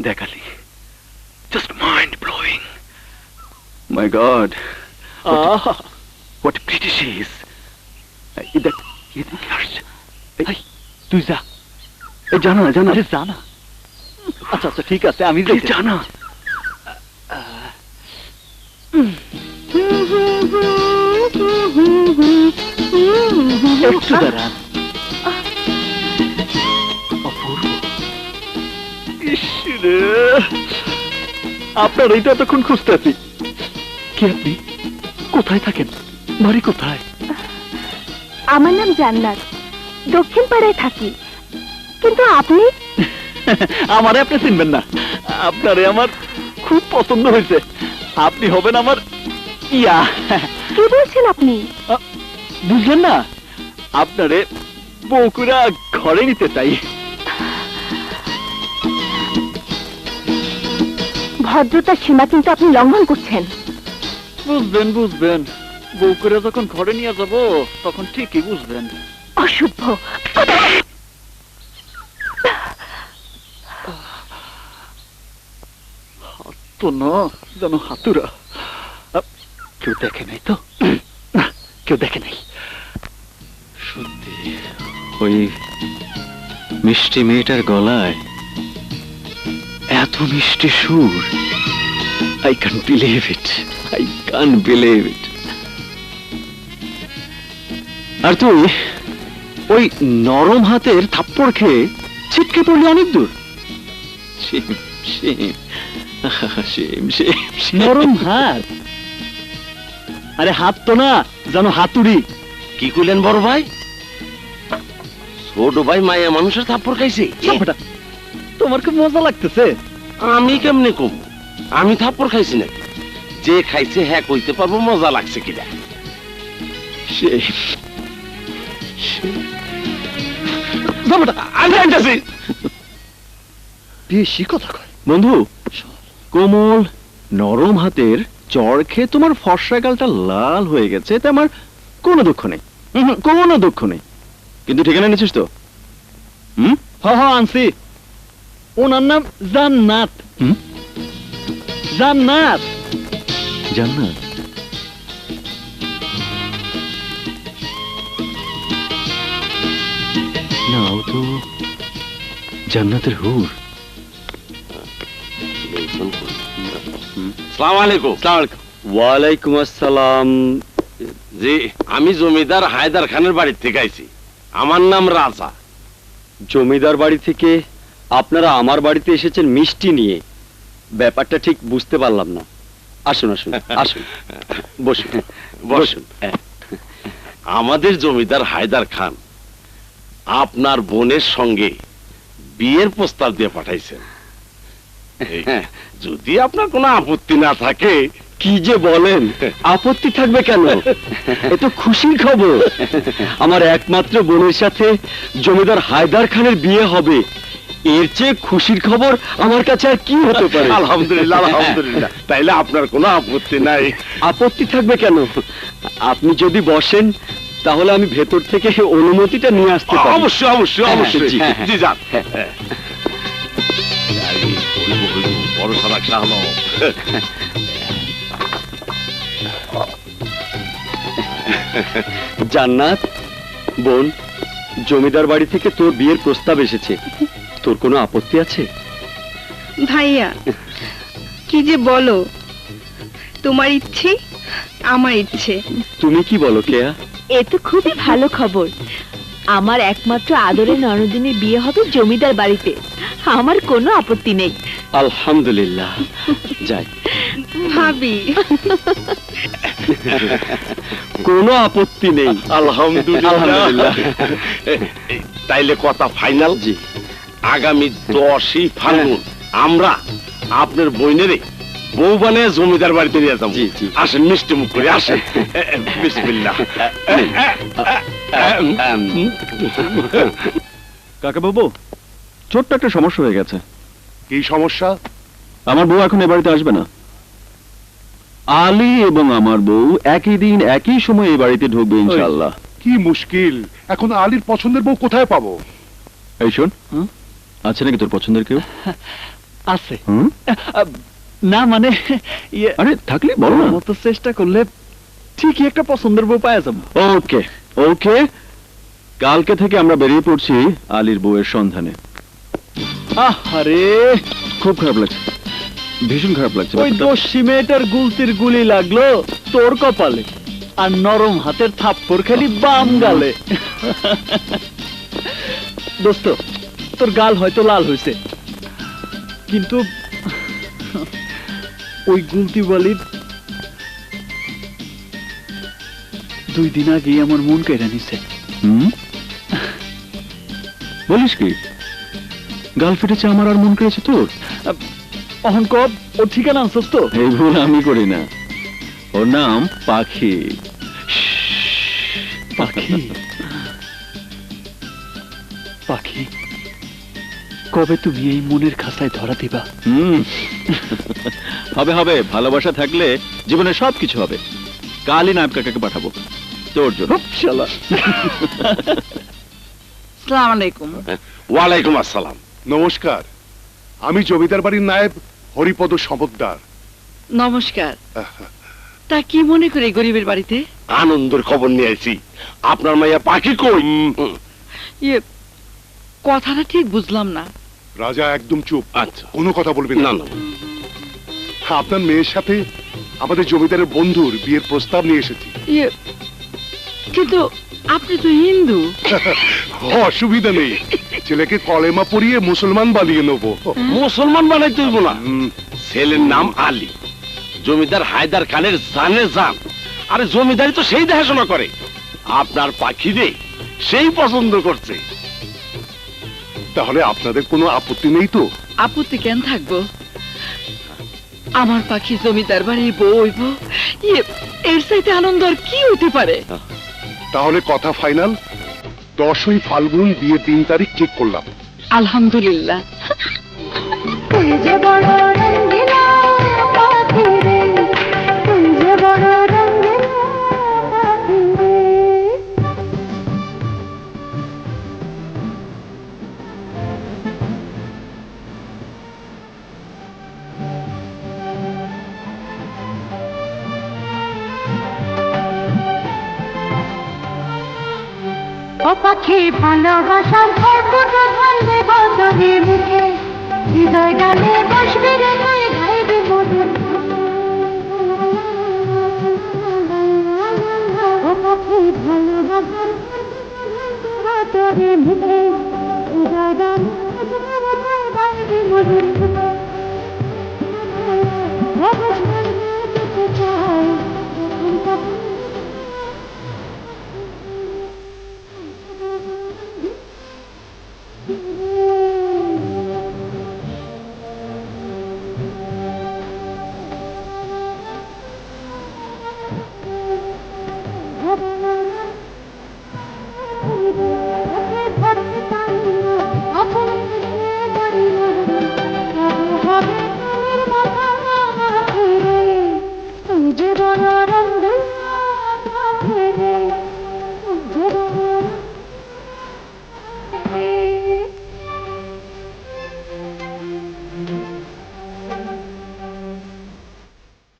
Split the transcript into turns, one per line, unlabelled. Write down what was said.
দেখ Ali, just mind blowing. My God, what pretty she is. দেখ, এদিকে আসছে।
তুই যা।
জানা না, জানা।
আরে জানা। আচ্ছা আচ্ছা ঠিক আছে, আমি যাই।
জানা।
একটু দাঁড়ান। অপূর্ব। ইসরে, আপনার এইটা এতক্ষণ খুঁজতেছি। কি আপনি? কোথায় থাকেন? বাড়ি কোথায়?
আমার নাম জান্নাত, দক্ষিণ পাড়ায় থাকি। কিন্তু আপনি?
আমারে আপনি চিনবেন না। আপনারে আমার খুব পছন্দ হয়েছে। আপনি হবেন আমার ইয়া।
কি বলছেন আপনি?
বুঝলেন না? আপনারে বউকুরা ঘরে নিতে চাই।
ভদ্রতার সীমা কিন্তু আপনি লঙ্ঘন করছেন।
বুঝবেন বুঝবেন, বউকুরা যখন ঘরে নিয়ে যাব তখন ঠিকই বুঝবেন।
অসভ্য।
তো না যেন হাতুরা। কেউ দেখে নাই তো? না, কেউ দেখে নাই।
সত্যি ওই মিষ্টি মেয়েটার গলায় এত মিষ্টি সুর। I can't believe it. I can't believe it. আর তুই ওই নরম হাতের থাপ্পড় খেয়ে ছিটকে পড়লি অনেক দূর।
নরম হাত? আরে হাত তো না, জানো হাতুড়ি।
কি কইলেন বড় ভাই? ছোট ভাই মায়া মানুষের থাপ্পড় খাইছে?
তোমার খুব মজা লাগতেছে।
আমি কেমনে কম? আমি থাপ্পড় খাইছি নাকি? যে খাইছে হ্যাঁ কইতে পারবো মজা লাগছে কিনা।
বেশি কথা কয়
বন্ধু। কোমল নরম হাতের চড় খেয়ে তোমার ফর্সা গালটা লাল হয়ে গেছে, এতে আমার কোনো দুঃখ নেই, কোনো দুঃখ নেই। কিন্তু ঠিকানা নিচ্ছিস তো?
আনছি। ওনার নাম জান্নাত। জান্নাত।
জান্নাত? না, ও তো জান্নাতের হুর।
আসসালামু আলাইকুম।
ওয়ালাইকুম আসসালাম।
জি, আমি জমিদার হায়দার খানের বাড়ি থেকে আইছি। আমার নাম রাজা।
জমিদার বাড়ি থেকে আপনারা আমার বাড়িতে এসেছেন মিষ্টি নিয়ে? ব্যাপারটা ঠিক বুঝতে পারলাম না। আসুন আসুন আসুন, বসুন বসুন।
আমাদের জমিদার হায়দার খান আপনার বোনের সঙ্গে বিয়ের প্রস্তাব দিয়ে পাঠাইছেন। যদি আপনার কোনো আপত্তি না থাকে।
কি যে বলেন, আপত্তি থাকবে কেন? এ তো খুশির খবর। আমার একমাত্র বোনের সাথে জমিদার হায়দার খানের বিয়ে হবে, এর চেয়ে খুশির খবর আমার কাছে আর কি হতে পারে?
আলহামদুলিল্লাহ আলহামদুলিল্লাহ। তাইলে আপনার কোনো আপত্তি নাই?
আপত্তি থাকবে কেন? আপনি যদি বসেন তাহলে আমি ভেতর থেকে অনুমতিটা নিয়ে আসতে পারি।
অবশ্যই অবশ্যই অবশ্যই। জি যান। বড় সাদাক শাহ।
জান্নাত বোন, জমিদার বাড়ি থেকে তোর বিয়ের প্রস্তাব এসেছে, তোর কোনো আপত্তি আছে?
ভাইয়া কি যে বলো, তোমার ইচ্ছে আমার ইচ্ছে।
তুমি কি বলো কেয়া?
এ তো খুবই ভালো খবর। আমার একমাত্র আদরের ননদিনীর বিয়ে হবে জমিদার বাড়িতে, আমার কোনো আপত্তি নেই।
আলহামদুলিল্লাহ। যাই
ভাবি।
কোনো আপত্তি নেই।
আলহামদুলিল্লাহ। তাইলে কথা ফাইনাল।
জি,
আগামী 10ই ফাল্গুন আমরা আপনার বইনেরে বউ বানিয়ে জমিদার বাড়িতে নিয়ে যাবো।
জি জি,
আসেন মিষ্টি মুখ করে আসেন। বিসমিল্লাহ।
কাকা বাবু, ছোট্ট একটা সমস্যা হয়ে গেছে।
কি সমস্যা?
আমার বউ এখন এ বাড়িতে আসবে না। আলী এবং আমার বউ একই দিন একই সময় এই বাড়িতে ঢুকবে ইনশাআল্লাহ।
কি মুশকিল, এখন আলীর পছন্দের বউ কোথায় পাবো?
এই শোন, আছে নাকি তোর পছন্দের কেউ?
আছে
হুম?
আহ, না মানে ইয়ে
আরে থাকলে বলো না।
মতো চেষ্টা করলে ঠিকই একটা পছন্দের বউ পাওয়া যাবো।
ওকে ওকে, কালকে থেকে আমরা বেরিয়ে পড়ছি আলীর বউয়ের সন্ধানে।
আরে
খুব খারাপ লাগছে, ভীষণ খারাপ লাগছে
ওই
ব্যাপারটা।
দস্যি মেয়েটার গুলতির গুলি লাগলো তোর কপালে, আর নরম হাতের থাপ্পড় খেলি বাম গালে। দোস্ত, তোর গাল হয়তো লাল হয়েছে, কিন্তু ওই গুলতি বালির 2 দিন আগেই আমার মন কেড়ে নিছে।
হুম? বলিস কি, গাল ফেটেছে আমার আর মন কেড়েছে তোর?
অহন কব ওর ঠিকানা আনছস তো?
এই ভুল আমি করি না, ওর নাম পাখি।
পাখি পাখি, কবে তুমি এই মনের খাঁচায় ধরা দিবা?
হুম, হবে হবে, ভালোবাসা থাকলে জীবনে সবকিছু হবে। কালই নায়ব কাকাকে পাঠাবো তোর জন্য।
শালা।
সালাম আলাইকুম।
ওয়ালাইকুম আসসালাম।
নমস্কার, আমি জমিদার বাড়ির নায়েব হরিপদ সমদ্দার।
নমস্কার। তা কি মনে করে গরিবের বাড়িতে?
আনন্দের খবর নিয়ে আইছি। আপনার মাইয়া পাখি কই?
ইয়ে, কথাটা ঠিক বুঝলাম না।
রাজা একদম চুপ,
আচ্ছা।
কোনো কথা বলবেন
না
না।
না,
আপনার মেয়ের সাথে আমাদের জমিদারের বন্ধুর বিয়ের প্রস্তাব নিয়ে এসেছি।
ইয়ে, কিন্তু আপনি তো হিন্দু।
অসুবিধা নেই, ছেলেকে কলেমা পড়িয়ে মুসলমান বানিয়ে নেবো।
মুসলমান বানাইতে হইব না।
হুম,
ছেলের নাম আলী, জমিদার হায়দার খানের জানে জান। আরে জমিদারি তো সেই দেখাশোনা করে। আপনার পাখি রে সেই পছন্দ করছে।
তাহলে আপনাদের কোনো আপত্তি নেই তো?
আপত্তি কেন থাকবো? আমার পাখি জমিদার বাড়ির বউ হইব, ইয়ে, এর চাইতে আনন্দ আর কি হইতে পারে?
তাহলে কথা ফাইনাল, 10ই ফাল্গুন বিয়ের 3 তারিখ ঠিক করলাম।
আলহামদুলিল্লাহ।
তুই যে বড় রঙ্গিলা পাখি রে, তুই যে বড় রঙ্গিলা পাখি রে। ও পাখি ভালোবাসার ফোঁটা ঢালবে বদরে মুখে, হৃদয় গানে বসবে রে তুই গাইবি মধুর। ও পাখি ভালোবাসার বদরে মুখে, হৃদয় গানে বসবে রে তুই গাইবি মধুর।